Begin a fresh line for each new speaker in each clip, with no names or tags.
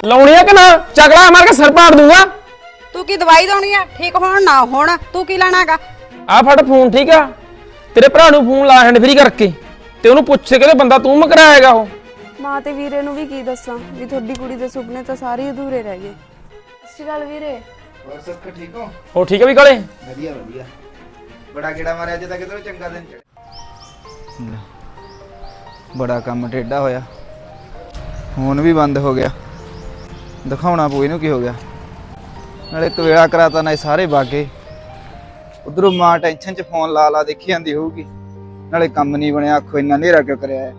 ਲਾਉਣੀ ਆ ਕਿ ਨਾ ਚਕਲਾ ਮਾਰ ਕੇ ਸਿਰ ਪਾੜ ਦੂੰਗਾ।
ਤੂੰ ਕੀ ਦਵਾਈ ਦੇਣੀ ਆ ਠੀਕ ਹੋਣ ਨਾ ਹੋਣ? ਤੂੰ ਕੀ ਲੈਣਾਗਾ?
ਆ ਫੜ ਫੋਨ ਠੀਕ ਆ, ਤੇਰੇ ਭਰਾ ਨੂੰ ਫੋਨ ਲਾ ਹੈਂਡ ਫ੍ਰੀ ਕਰਕੇ ਤੇ ਉਹਨੂੰ ਪੁੱਛ ਕੇ ਬੰਦਾ ਤੂੰ ਮਕਰਾਏਗਾ ਉਹ।
ਮਾਂ ਤੇ ਵੀਰੇ ਨੂੰ ਵੀ ਕੀ ਦੱਸਾਂ ਵੀ ਤੁਹਾਡੀ ਕੁੜੀ ਦੇ ਸੁਪਨੇ ਤਾਂ ਸਾਰੇ ਅਧੂਰੇ ਰਹਿ ਗਏ। ਸਤਿ ਸ਼੍ਰੀ ਅਕਾਲ ਵੀਰੇ।
ਹੋਰ ਸਭ ਠੀਕ ਹੋ?
ਹੋ ਠੀਕ ਆ ਵੀ ਕਾਲੇ?
ਵਧੀਆ ਵਧੀਆ। ਬੜਾ ਕਿਹੜਾ ਮਾਰਿਆ ਅੱਜ ਤੱਕ ਕਿਧਰੋਂ ਚੰਗਾ ਦਿਨ ਚੜਿਆ। ਬੜਾ ਕੰਮ ਟੇਢਾ ਹੋਇਆ, ਫੋਨ ਵੀ ਬੰਦ ਹੋ ਗਿਆ। ਦਿਖਾਉਣਾ ਪਊ ਇਹਨੂੰ ਕੀ ਹੋ ਗਿਆ। ਨਾਲੇ ਇੱਕ ਵੇਲਾ ਕਰਾਤਾ ਨਾ ਸਾਰੇ ਬਾਗੇ। ਉਧਰੋਂ ਮਾਂ ਟੈਨਸ਼ਨ 'ਚ ਫੋਨ ਲਾ ਲਾ ਦੇਖੀ ਜਾਂਦੀ ਹੋਊਗੀ। ਨਾਲੇ ਕੰਮ ਨਹੀਂ ਬਣਿਆ, ਆਖੋ ਇੰਨਾ ਹਨੇਰਾ ਕਿਉਂ ਕਰਿਆ ਹੈ।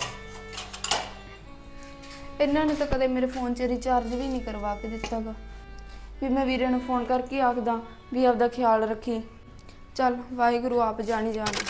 ਇਹਨਾਂ ਨੇ ਤਾਂ ਕਦੇ ਮੇਰੇ ਫੋਨ 'ਚ ਰਿਚਾਰਜ ਵੀ ਨਹੀਂ ਕਰਵਾ ਕੇ ਦਿੱਤਾਗਾ ਵੀ ਮੈਂ ਵੀਰੇ ਨੂੰ ਫੋਨ ਕਰਕੇ ਆਖਦਾ ਵੀ ਆਪਦਾ ਖਿਆਲ ਰੱਖੀ। ਚੱਲ ਵਾਹਿਗੁਰੂ ਆਪ ਜਾਣੀ ਜਾਣ।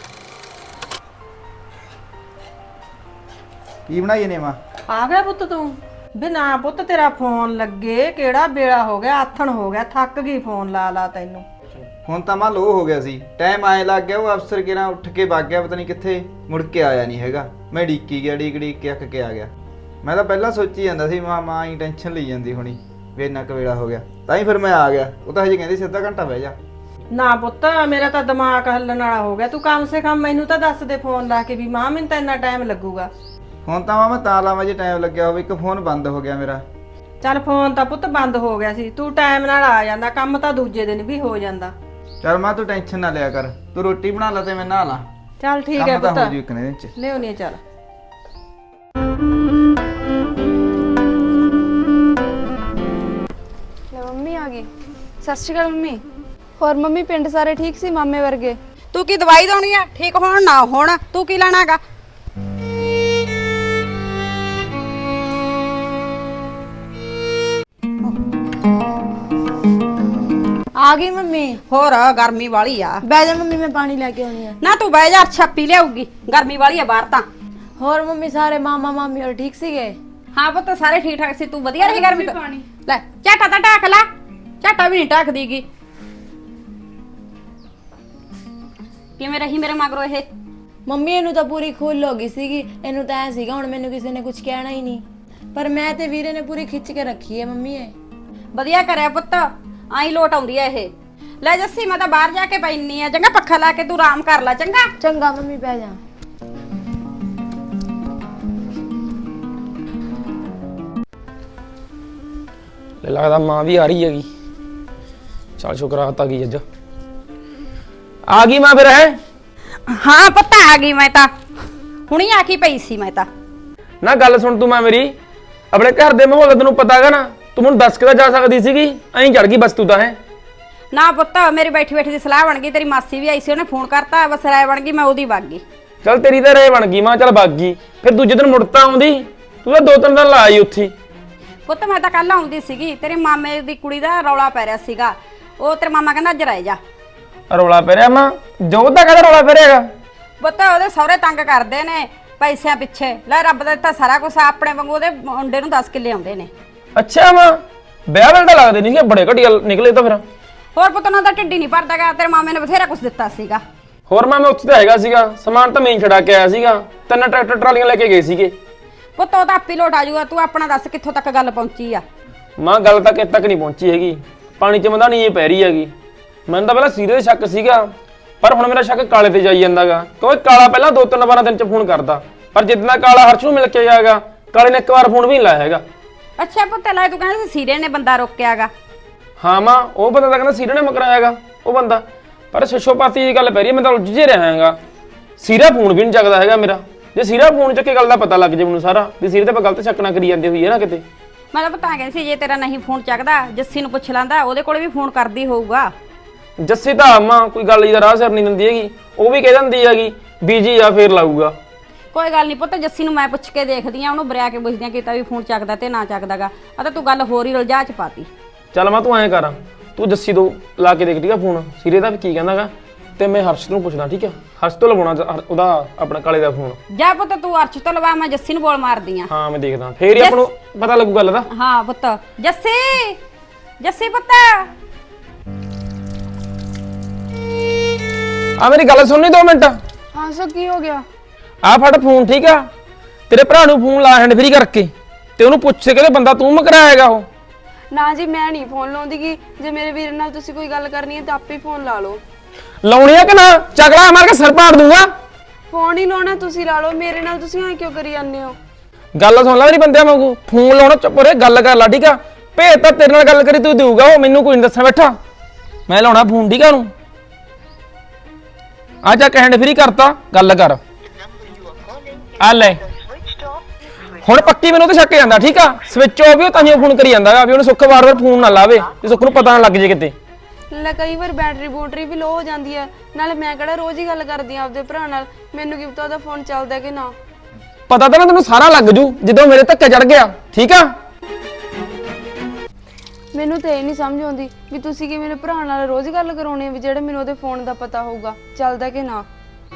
ਕੀ ਬਣਾਈਏ ਨੇ ਮਾਂ?
ਆ ਗਿਆ ਪੁੱਤ ਤੂੰ? ਬਿਨਾ ਪੁੱਤ ਤੇਰਾ ਫੋਨ ਲੱਗੇ ਕਿਹੜਾ ਵੇਲਾ ਹੋ ਗਿਆ, ਆਥਣ ਹੋ ਗਿਆ, ਥੱਕ ਗਈ ਫੋਨ ਲਾ ਲਾ ਤੈਨੂੰ।
ਹੁਣ ਤਾਂ ਮਾਂ ਲੋ ਹੋ ਗਿਆ ਸੀ, ਟਾਈਮ ਆਏ ਲੱਗ ਗਿਆ। ਉਹ ਅਫਸਰ ਕਿਹੜਾ ਉੱਠ ਕੇ ਵਗ ਗਿਆ, ਪਤਾ ਨਹੀਂ ਕਿੱਥੇ, ਮੁੜ ਕੇ ਆਇਆ ਨਹੀਂ ਹੈਗਾ। ਮੈਂ ਡੀਕੀ ਗਿਆ, ਡੀਕ ਕੇ ਅੱਕ ਕੇ ਆ ਗਿਆ। ਮੈਂ ਤਾਂ ਪਹਿਲਾਂ ਸੋਚੀ ਜਾਂਦਾ ਸੀ ਮਾਂ ਹੀ ਟੈਨਸ਼ਨ ਲਈ ਜਾਂਦੀ ਹੋਣੀ ਵੀ ਇੰਨਾ ਕੁ ਵੇਲਾ ਹੋ ਗਿਆ, ਤਾਂ ਹੀ ਫਿਰ ਮੈਂ ਆ ਗਿਆ। ਉਹ ਤਾਂ ਹਜੇ ਕਹਿੰਦੀ ਸੀ ਅੱਧਾ ਘੰਟਾ ਬਹਿ ਜਾ।
ਨਾ ਪੁੱਤ ਮੇਰਾ ਤਾਂ ਦਿਮਾਗ ਹੱਲਣ ਵਾਲਾ ਹੋ ਗਿਆ। ਤੂੰ ਕਮ ਸੇ ਕਮ ਮੈਨੂੰ ਤਾਂ ਦੱਸ ਦੇ ਫੋਨ ਲਾ ਕੇ ਵੀ ਮਾਂ ਮੈਨੂੰ ਤਾਂ ਇੰਨਾ ਟਾਈਮ ਲੱਗੂਗਾ।
ਹੁਣ ਤਾਂ ਮੈਂ ਤਾਂ ਲਾਵਾਂ ਜੇ ਟਾਈਮ ਲੱਗਿਆ ਹੋਵੇ। ਇੱਕ ਫੋਨ ਬੰਦ ਹੋ ਗਿਆ ਮੇਰਾ।
ਚੱਲ ਫੋਨ ਤਾਂ ਪੁੱਤ ਬੰਦ ਹੋ ਗਿਆ ਸੀ, ਤੂੰ ਟਾਈਮ ਨਾਲ ਆ ਜਾਂਦਾ, ਕੰਮ ਤਾਂ ਦੂਜੇ ਦਿਨ ਵੀ ਹੋ ਜਾਂਦਾ।
ਚੱਲ ਮਾਂ ਤੂੰ ਟੈਨਸ਼ਨ ਨਾ ਲਿਆ ਕਰ, ਤੂੰ ਰੋਟੀ ਬਣਾ ਲੈ ਤੇ ਮੈਂ ਨਹਾ ਲਾਂ।
ਚੱਲ ਠੀਕ ਹੈ
ਕੰਮ ਤਾਂ
ਪੁੱਤ,
ਹੋ ਜੂ ਇੱਕ ਦਿਨ 'ਚ।
ਲਿਆਉਣੀ ਆ। ਚੱਲ
ਲੈ ਮੰਮੀ ਆ ਗਈ। ਸਤਿ ਸ਼੍ਰੀ ਅਕਾਲ ਮੰਮੀ। ਹੋਰ ਮੰਮੀ ਪਿੰਡ ਸਾਰੇ ਠੀਕ ਸੀ ਮਾਮੇ ਵਰਗੇ?
ਤੂੰ ਕੀ ਦਵਾਈ ਦੇਣੀ ਆ ਠੀਕ ਹੋਣ ਨਾ ਹੋਣ? ਤੂੰ ਕੀ ਲੈਣਾਗਾ?
ਆ ਗਈ ਮੰਮੀ।
ਹੋਰ ਗਰਮੀ ਵਾਲੀ ਆ।
ਬਹਿ ਜਾ ਮੰਮੀ, ਮੈਂ ਪਾਣੀ ਲੈ ਕੇ ਆਉਣੀ ਆ।
ਨਾ ਤੂੰ ਬਹਿ ਜਾ, ਛੱਪੀ ਲਿਆਊਗੀ। ਗਰਮੀ ਵਾਲੀ ਆ ਬਾਹਰ ਤਾਂ।
ਹੋਰ ਮੰਮੀ ਸਾਰੇ ਮਾਮਾ ਮਾਮੀ ਹੋਰ ਠੀਕ ਸੀਗੇ?
ਹਾਂ ਪੁੱਤ ਸਾਰੇ ਠੀਕ ਠਾਕ ਸੀ। ਤੂੰ ਵਧੀਆ ਰਹੀ ਗਰਮੀ ਤੋਂ? ਲੈ ਝਾਟਾ ਤਾਂ ਢੱਕ ਲੈ। ਝਾਟਾ ਵੀ ਨਹੀਂ ਢੱਕਦੀਗੀ। ਕਿਵੇਂ ਰਹੀ ਮੇਰੇ ਮਗਰੋਂ ਇਹ?
ਮੰਮੀ ਇਹਨੂੰ ਤਾਂ ਪੂਰੀ ਖੁੱਲ ਹੋ ਗਈ ਸੀਗੀ। ਇਹਨੂੰ ਤਾਂ ਐ ਸੀਗਾ ਹੁਣ ਮੈਨੂੰ ਕਿਸੇ ਨੇ ਕੁਝ ਕਹਿਣਾ ਹੀ ਨਹੀਂ, ਪਰ ਮੈਂ ਤੇ ਵੀਰੇ ਨੇ ਪੂਰੀ ਖਿੱਚ ਕੇ ਰੱਖੀ ਹੈ ਮੰਮੀ। ਇਹ
ਵਧੀਆ ਕਰਿਆ ਪੁੱਤ, ਆਈ ਲੋਟ ਆਉਂਦੀ ਐ ਇਹ। ਲੈ ਜੱਸੀ ਮੈਂ ਤਾਂ ਬਾਹਰ ਜਾ ਕੇ ਪੈਣੀ ਆ। ਚੰਗਾ ਪੱਖਾ ਲਾ ਕੇ ਤੂੰ ਆਰਾਮ ਕਰ ਲੈ। ਚੰਗਾ
ਚੰਗਾ ਮੰਮੀ, ਬਹਿ ਜਾ।
ਲੈ ਲੱਗਦਾ ਮਾਂ ਵੀ ਆ ਰਹੀ ਹੈਗੀ। ਚੱਲ ਸ਼ੁਕਰਾਤ ਆ ਗਈ ਅੱਜ। ਆ ਗਈ ਮਾਂ ਫਿਰ ਹੈ?
ਹਾਂ ਪੁੱਤ ਆ ਗਈ ਮੈਂ ਤਾਂ, ਹੁਣੀ ਆ ਕੇ ਪਈ ਸੀ ਮੈਂ ਤਾਂ।
ਨਾ ਗੱਲ ਸੁਣ ਤੂੰ ਮਾਂ ਮੇਰੀ, ਆਪਣੇ ਘਰ ਦੇ ਮਾਹੌਲ ਦਾ ਤੈਨੂੰ ਪਤਾ ਹੈਗਾ ਨਾ। ਤੂੰ ਮੈਨੂੰ ਦੱਸ ਕੇ ਤਾਂ ਜਾ ਸਕਦੀ ਸੀਗੀ, ਐਂ ਚੜ ਗਈ ਬਸ ਤੂੰ ਤਾਂ ਹੈ।
ਨਾ ਪੁੱਤ ਮੇਰੀ ਬੈਠੀ ਬੈਠੀ ਦੀ ਸਲਾਹ ਬਣ ਗਈ। ਤੇਰੀ ਮਾਸੀ ਵੀ ਆਈ ਸੀ, ਉਹਨੇ ਫੋਨ ਕਰਤਾ, ਬਸ ਰਾਏ ਬਣ ਗਈ, ਮੈਂ ਉਹਦੀ ਵਗ ਗਈ।
ਚੱਲ ਤੇਰੀ ਤਾਂ ਰਾਏ ਬਣ ਗਈ ਮਾਂ, ਚੱਲ ਵਗ ਗਈ। ਫਿਰ ਦੂਜੇ ਦਿਨ ਮੁੜਤਾ ਆਉਂਦੀ, ਤੂੰ ਤਾਂ 2-3 ਦਿਨ ਲਾ ਆਈ ਉੱਥੇ।
ਪੁੱਤ ਮੈਂ ਤਾਂ ਕੱਲ ਆਉਂਦੀ ਸੀਗੀ, ਤੇਰੇ ਮਾਮੇ ਦੀ ਕੁੜੀ ਦਾ ਰੌਲਾ ਪੈ ਰਿਹਾ ਸੀਗਾ। ਉਹ ਤੇਰੇ ਮਾਮਾ ਕਹਿੰਦਾ ਅੱਜ ਰਹਿ ਜਾ।
ਰੌਲਾ ਪੈ ਰਿਹਾ ਮਾਂ? ਜੋ ਤਾਂ ਕਹਿੰਦਾ ਰੌਲਾ ਪੈ ਰਿਹਾਗਾ।
ਪੁੱਤ ਉਹਦੇ ਸਹੁਰੇ ਤੰਗ ਕਰਦੇ ਨੇ ਪੈਸਿਆਂ ਪਿੱਛੇ। ਲੈ ਰੱਬ ਦਾ ਦਿੱਤਾ ਸਾਰਾ ਕੁਝ, ਆਪਣੇ ਵਾਂਗੂ ਉਹਦੇ ਮੁੰਡੇ ਨੂੰ 10 ਕਿੱਲੇ ਆਉਂਦੇ ਨੇ।
ਅੱਛਾ ਮਾਂ, ਵਿਆਹ ਵੇਲੇ ਤਾਂ ਲੱਗਦੇ ਨਹੀਂ ਸੀ, ਬੜੇ ਘਟੀਆ ਨਿਕਲੇ ਤਾਂ ਫਿਰ।
ਹੋਰ ਪੁੱਤ ਉਹਨਾਂ ਦਾ ਢਿੱਡੀ ਨਹੀਂ ਭਰਦਾਗਾ। ਤੇਰੇ ਮਾਮੇ ਨੇ ਬਥੇਰਾ ਕੁਝ ਦਿੱਤਾ ਸੀਗਾ।
ਹੋਰ ਮਾਂ ਮੈਂ ਉੱਥੇ ਤਾਂ ਹੈਗਾ ਸੀਗਾ, ਸਮਾਨ ਤਾਂ ਮੈਂ ਹੀ ਛੜਾ ਕੇ ਆਇਆ ਸੀਗਾ। 3 ਟਰੈਕਟਰ ਟਰਾਲੀਆਂ ਲੈ ਕੇ ਗਏ ਸੀਗੇ।
ਪੁੱਤ ਉਹ ਤਾਂ ਆਪੀ ਲੋਟ ਆ ਜਾਊਗਾ। ਤੂੰ ਆਪਣਾ ਦੱਸ ਕਿੱਥੋਂ ਤੱਕ ਗੱਲ ਪਹੁੰਚੀ ਆ?
ਮਾਂ ਗੱਲ ਤਾਂ ਕਿਤੇ ਤੱਕ ਨਹੀਂ ਪਹੁੰਚੀ ਹੈਗੀ, ਪਾਣੀ 'ਚ ਮਧਾਣੀ ਇਹ ਪੈ ਰਹੀ ਹੈਗੀ। ਮੈਨੂੰ ਤਾਂ ਪਹਿਲਾਂ ਸੀਰੇ ਦੇ ਸ਼ੱਕ ਸੀਗਾ, ਪਰ ਹੁਣ ਮੇਰਾ ਸ਼ੱਕ ਕਾਲੇ ਤੇ ਜਾਈ ਜਾਂਦਾਗਾ। ਕਿਉਂਕਿ ਕਾਲਾ ਪਹਿਲਾਂ 2-3 ਵਾਰਾਂ ਦਿਨ 'ਚ ਫੋਨ ਕਰਦਾ, ਪਰ ਜਿੱਦਾਂ ਕਾਲਾ ਹਰਸ਼ ਨੂੰ ਮਿਲ ਕੇ ਜਾਏਗਾ, ਕਾਲੇ ਨੇ ਇੱਕ ਵਾਰ ਫੋਨ ਵੀ ਨਹੀਂ ਲਾਇਆ ਹੈਗਾ।
ਅੱਛਾ ਪੁੱਤ ਲੈ, ਤੂੰ ਕਹਿੰਦਾ ਸੀ ਸੀਰੇ ਨੇ ਬੰਦਾ ਰੋਕਿਆਗਾ।
ਹਾਂ ਮਾਂ, ਉਹ ਬੰਦਾ ਤਾਂ ਕਹਿੰਦਾ ਸੀਰੇ ਨੇ ਮਕਰਾਇਆਗਾ ਉਹ ਬੰਦਾ, ਪਰ ਸ਼ਸ਼ੋਪਾਤੀ ਦੀ ਗੱਲ ਪੈ ਰਹੀ ਹੈ। ਮੈਂ ਤਾਂ ਉਲਝ ਜੇ ਰਿਹਾ ਹੈਗਾ। ਸੀਰਾ ਫੋਨ ਵੀ ਨਹੀਂ ਚੱਕਦਾ ਹੈਗਾ ਮੇਰਾ। ਜੇ ਸੀਰਾ ਫੋਨ ਚੱਕੇ ਗੱਲ ਦਾ ਪਤਾ ਲੱਗ ਜੇ ਮੈਨੂੰ ਸਾਰਾ ਵੀ ਸੀਰੇ ਤੇ ਆਪਾਂ ਗਲਤ ਸ਼ੱਕ ਨਾ ਕਰੀ ਜਾਂਦੇ ਹੋਈ ਹੈ ਨਾ ਕਿਤੇ।
ਮੈਂ ਤਾਂ ਪਤਾ ਕਹਿੰਦੀ ਸੀ ਜੇ ਤੇਰਾ ਨਹੀਂ ਫੋਨ ਚੱਕਦਾ, ਜੱਸੀ ਨੂੰ ਪੁੱਛ ਲੈਂਦਾ, ਉਹਦੇ ਕੋਲੇ ਵੀ ਫੋਨ ਕਰਦੀ ਹੋਊਗਾ।
ਜੱਸੀ ਤਾਂ ਮਾਂ ਕੋਈ ਗੱਲ ਦਾ ਰਾਹ ਸਿਰ ਨਹੀਂ ਦਿੰਦੀ ਹੈਗੀ। ਉਹ ਵੀ ਕਹਿ ਦਿੰਦੀ ਹੈਗੀ ਬੀਜੀ ਆ ਫੇਰ ਲਾਊਗਾ।
ਕੋਈ ਗੱਲ ਨਹੀਂ ਪੁੱਤ, ਜੱਸੀ ਨੂੰ ਮੈਂ ਪੁੱਛ ਕੇ ਦੇਖਦੀ ਆ, ਉਹਨੂੰ ਬਰਿਆ ਕੇ ਪੁੱਛਦੀ ਆ ਕਿਤਾ ਵੀ ਫੋਨ ਚੱਕਦਾ ਤੇ ਨਾ ਚੱਕਦਾਗਾ। ਆ ਤਾਂ ਤੂੰ ਗੱਲ ਹੋਰ ਹੀ ਰਲਜਾ ਚ ਪਾਤੀ।
ਚੱਲ ਮਾਂ ਤੂੰ ਐਂ ਕਰ, ਤੂੰ ਜੱਸੀ ਤੋਂ ਲਾ ਕੇ ਦੇਖ ਠੀਕ ਆ ਫੋਨ, ਸੀਰੇ ਦਾ ਵੀ ਕੀ ਕਹਿੰਦਾਗਾ, ਤੇ ਮੈਂ ਹਰਸ਼ ਨੂੰ ਪੁੱਛਦਾ ਠੀਕ ਆ। ਹਰਸ਼ ਤੋਂ ਲਵਾਉਣਾ ਉਹਦਾ ਆਪਣਾ ਕਾਲੇ ਦਾ ਫੋਨ।
ਜਾ ਪੁੱਤ ਤੂੰ ਅਰਸ਼ ਤੋਂ ਲਵਾ, ਮੈਂ ਜੱਸੀ ਨੂੰ ਬੋਲ ਮਾਰਦੀ ਆ।
ਹਾਂ ਮੈਂ ਦੇਖਦਾ, ਫੇਰ ਹੀ ਆਪਾਂ ਨੂੰ ਪਤਾ ਲੱਗੂ ਗੱਲ ਦਾ।
ਹਾਂ ਪੁੱਤ। ਜੱਸੀ, ਜੱਸੀ ਪੁੱਤ
ਆ ਮੇਰੀ ਗੱਲ ਸੁਣਨੀ 2 ਮਿੰਟ।
ਹਾਂ ਸੋ ਕੀ ਹੋ ਗਿਆ?
ਆ ਫੜ ਫੋਨ ਠੀਕ ਆ, ਤੇਰੇ ਭਰਾ ਨੂੰ ਫੋਨ ਲਾ ਹੈਂਡ ਫ੍ਰੀ ਕਰਕੇ ਤੇ ਉਹਨੂੰ ਪੁੱਛ ਕੇ ਤੇ ਬੰਦਾ ਤੂੰ ਮਕਰਾਏਗਾ ਉਹ।
ਨਾ ਜੀ ਮੈਂ ਨਹੀਂ ਫੋਨ ਲਾਉਂਦੀ ਗੀ, ਜੇ ਮੇਰੇ ਵੀਰ ਨਾਲ ਤੁਸੀਂ ਕੋਈ ਗੱਲ ਕਰਨੀ ਹੈ ਤਾਂ ਆਪੇ ਫੋਨ ਲਾ ਲਓ।
ਲਾਉਣੀ ਆ ਕਿ ਨਾ? ਚਗੜਾ ਮਾਰ ਕੇ ਸਿਰ ਪਾੜ ਦੂੰਗਾ।
ਫੋਨ ਹੀ ਲਾਉਣਾ ਤੁਸੀਂ ਲਾ ਲਓ, ਮੇਰੇ ਨਾਲ ਤੁਸੀਂ ਐਂ ਕਿਉਂ ਕਰੀ ਜਾਂਦੇ ਹੋ?
ਗੱਲ ਸੁਣ ਲੈ ਮੇਰੀ ਬੰਦਿਆਂ ਵਾਂਗੂ, ਫੋਨ ਲਾਉਣਾ ਚੁੱਪ ਰੇ, ਗੱਲ ਕਰ ਲਾ ਠੀਕ ਆ। ਭੇਜ ਤਾਂ ਤੇਰੇ ਨਾਲ ਗੱਲ ਕਰੀ ਤੂੰ ਦੇਊਗਾ ਉਹ, ਮੈਨੂੰ ਕੋਈ ਨਹੀਂ ਦੱਸਣ ਬੈਠਾ। ਮੈਂ ਲਾਉਣਾ ਫੋਨ ਠੀਕ ਆ ਉਹਨੂੰ। ਆ ਜਾ ਕਹਿਣ ਫਰੀ ਕਰਤਾ, ਗੱਲ ਕਰ ਆ ਲੈ। ਹੁਣ ਪੱਕੀ ਮੈਨੂੰ ਤੇ ਸ਼ੱਕ ਜਾਂਦਾ ਠੀਕ ਆ, ਸਵਿਚ ਆਫ ਵੀ ਉਹ ਤਾਂ ਹੀ ਫੋਨ ਕਰੀ ਜਾਂਦਾਗਾ ਵੀ ਉਹਨੂੰ ਸੁੱਖ ਵਾਰ-ਵਾਰ ਫੋਨ ਨਾ ਲਾਵੇ ਤੇ ਸੁੱਖ ਨੂੰ ਪਤਾ ਨਾ ਲੱਗ ਜੇ ਕਿਤੇ।
ਲੈ ਕਈ ਵਾਰ ਬੈਟਰੀ ਵੀ ਲੋ ਹੋ ਜਾਂਦੀ ਹੈ, ਨਾਲੇ ਮੈਂ ਕਿਹੜਾ ਰੋਜ਼ ਹੀ ਗੱਲ ਕਰਦੀ ਆ ਆਪਦੇ ਭਰਾ ਨਾਲ, ਮੈਨੂੰ ਕੀ ਪਤਾ ਉਹਦਾ ਫੋਨ ਚੱਲਦਾ ਕਿ ਨਾ।
ਪਤਾ ਤਾਂ ਨਾ ਤੈਨੂੰ ਸਾਰਾ ਲੱਗ ਜੂ ਜਦੋਂ ਮੇਰੇ ਧੱਕੇ ਚੜ ਗਿਆ ਠੀਕ ਆ।
ਮੈਨੂੰ ਤਾਂ ਇਹ ਨਹੀਂ ਸਮਝ ਆਉਂਦੀ ਵੀ ਤੁਸੀਂ ਕਿ ਮੇਰੇ ਭਰਾ ਨਾਲ ਰੋਜ਼ ਗੱਲ ਕਰਾਉਣੀ ਹੈ ਵੀ ਜਿਹੜੇ ਮੈਨੂੰ ਉਹਦੇ ਫੋਨ ਦਾ ਪਤਾ ਹੋਊਗਾ ਚੱਲਦਾ ਕਿ ਨਾ।